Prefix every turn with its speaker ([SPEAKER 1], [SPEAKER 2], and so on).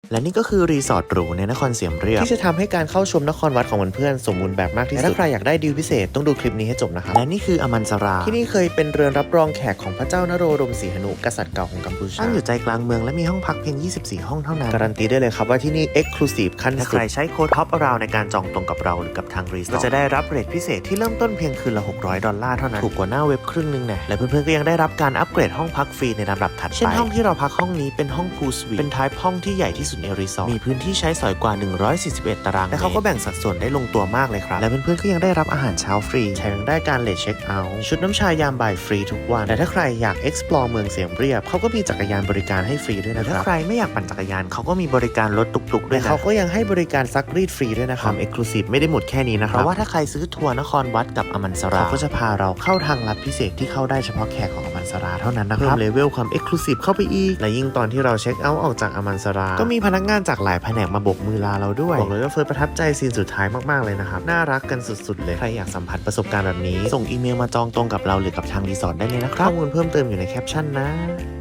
[SPEAKER 1] และนี่ก็คือรีสอร์ทหรูในนครเสียมเรียบที่จะทำให้การเข้าชมนครวัดของเพื่อนๆสมบูรณ์แบบมากที่สุดและถ้าใครอยากได้ดีลพิเศษต้องดูคลิปนี้ให้จบนะครับและนี่คืออมันสราที่นี่เคยเป็นเรือนรับรองแขกของพระเจ้านโรดมศรีหนุกษัตริย์เก่าของกัมพูชาตั้งอยู่ใจกลางเมืองและมีห้องพักเพียง24ห้องเท่านั้นการันตีได้เลยครับว่าที่นี่ Exclusive ขั้นสุดถ้าใครใช้โค้ด Top Around ในการจองตรงกับเราหรือกับทางรีสอร์ทก็จะได้รับเรทพิเศษที่เริ่มต้นเพียงคืนละ$600เท่านั้นถูกกว่าหน้าเว็บครึ่งนึงนะและเพื่อนๆก็ยังได้รับการอัปเกรดห้องพักฟรีในลำดับถัดไปเช่นห้องที่เราพักห้องนี้เป็นห้องพูลสวีทเป็นไทป์ห้องที่ใหญ่ที่สุดในรีสอร์ทมีพื้นที่ใช้สอยกว่า141ตารางเมตรและเขาก็แบ่งสัดส่วนได้ลงตัวมากเลยครับและเพื่อนๆก็ยังได้รับอาหารเช้าฟรีแถมยังได้การเลทเช็คเอาท์ชุดน้ำชายามบ่ายฟรีทุกวันแต่ถ้าใครอยาก explore เมืองเสียมเรียบเขาก็มีจักรยานบริการให้ฟรีด้วยนะครับถ้าใครไม่อยากปั่นจักรยานเขาก็มีบริการรถตุกๆด้วยนะเขาก็ยังให้บริการซักรีดฟรีด้วยนะครับ Exclusive ไม่ได้หมดแค่นี้นะครับเพราะว่าถ้าใครซื้อทัวร์นครวัดกับอมันสราเขาก็จะพาเราเข้าทางลัดพิเศษที่เข้าได้เฉพาะแขกของอมันสราเท่านั้นนะครับเลเวลความ Exclusive เข้าไปอีกและยิ่งตอนที่เราเช็คเอาท์ออกจากอมันสราก็มีพนักงานจากหลายแผนกมาโบกมือลาเราด้วยบอกเลยว่าเฟิร์สประทับใจซีนสุดท้ายมากๆเลยนะครับน่ารักกันสุดๆเลยใครอยากสัมผัสประสบการณ์แบบนี้ส่งอีเมลมาจองตรงกับเราหรือกับทางรีสอร์ทได้เลยนะครับข้อมูลเพิ่มเติมอยู่ในแคปชั่นนะ